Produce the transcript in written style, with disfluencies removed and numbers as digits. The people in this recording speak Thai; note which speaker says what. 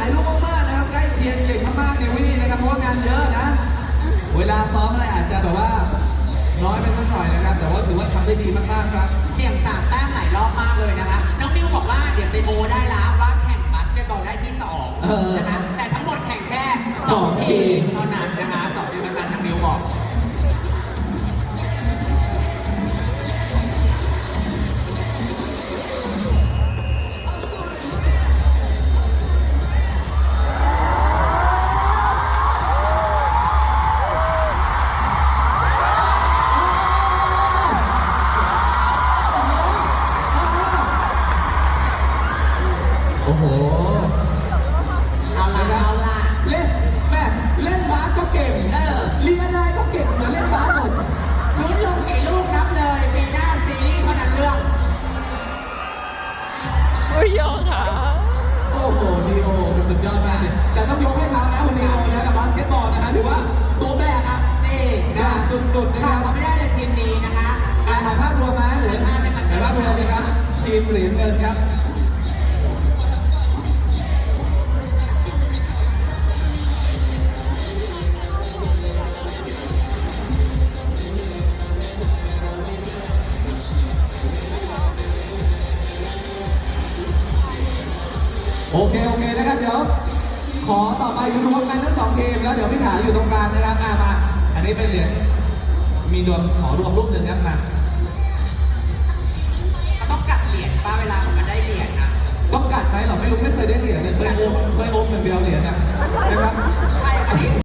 Speaker 1: ายรูปมากๆนะครับใกล้เคียงเก่งมากๆเนวี่นะครับเพราะว่างานเยอะนะเวลาซ้อมอะไรอาจจะแบบว่าน้อยไปสักหน่อยนะครับแต่ว่าถือว่าทำได้ดีมากๆครับ
Speaker 2: เสี่ยง3 แต้มหลายรอบมากเลยนะคะน้องนิวบอกว่าเดี๋ยวไปโมได้แล้วว่าแข่งบาสเกตบอลได้ที่2นะคะแต่ทั้งหมดแข่งแค่2 ทีมเท่านั้นนะคะ2 ทีมแล้วกันทางนิวบอก
Speaker 1: โอ้โห
Speaker 2: เอาล่ะ
Speaker 1: เล่นแม่เล่นบาสก็เก่งเรียนอะไรก็เก่งเหมือนเล่นบาสหมด
Speaker 2: ชุดลงกี่ลูกนับเลยปีหน้าซีรีส์เท่านั้นเรื่อง
Speaker 3: อุ้ยโยค่ะ
Speaker 1: โอ้โหนีโอเป็นสุดยอดมากเลยแต่ต้องยกให้เขานะคนนีโอนะกับบาสเกตบอลนะฮะถือว่าตัวแบกอ่ะ
Speaker 2: นี่
Speaker 1: นะสุดๆนะค
Speaker 2: ขา
Speaker 1: รับ
Speaker 2: ดเขาไม่ได้เลยทีมนี้นะคะ
Speaker 1: ถ่ายภาพรวมนะหรือถ่ายภาพรวมเลยครับทีมเหรียญเงินครับโอเคนะครับเดี๋ยวขอต่อไปรวมกันทั้ง2 ทีมแล้วเดี๋ยวพี่ถาอยู่ตรงกลางนะครับมาอันนี้เป็นเหรียญมีรวมขอรวมรูปหนึ่งครับมา
Speaker 2: เขาต้องกัดเหรียญป้าเวลามันได้เหรียญนะ
Speaker 1: ต้องกัดไหมเราไม่รู้ไม่เคยได้เหรียญเลยเคยโอมอย่างเดียวเหรียญนะครับ
Speaker 2: ใช่อันนี้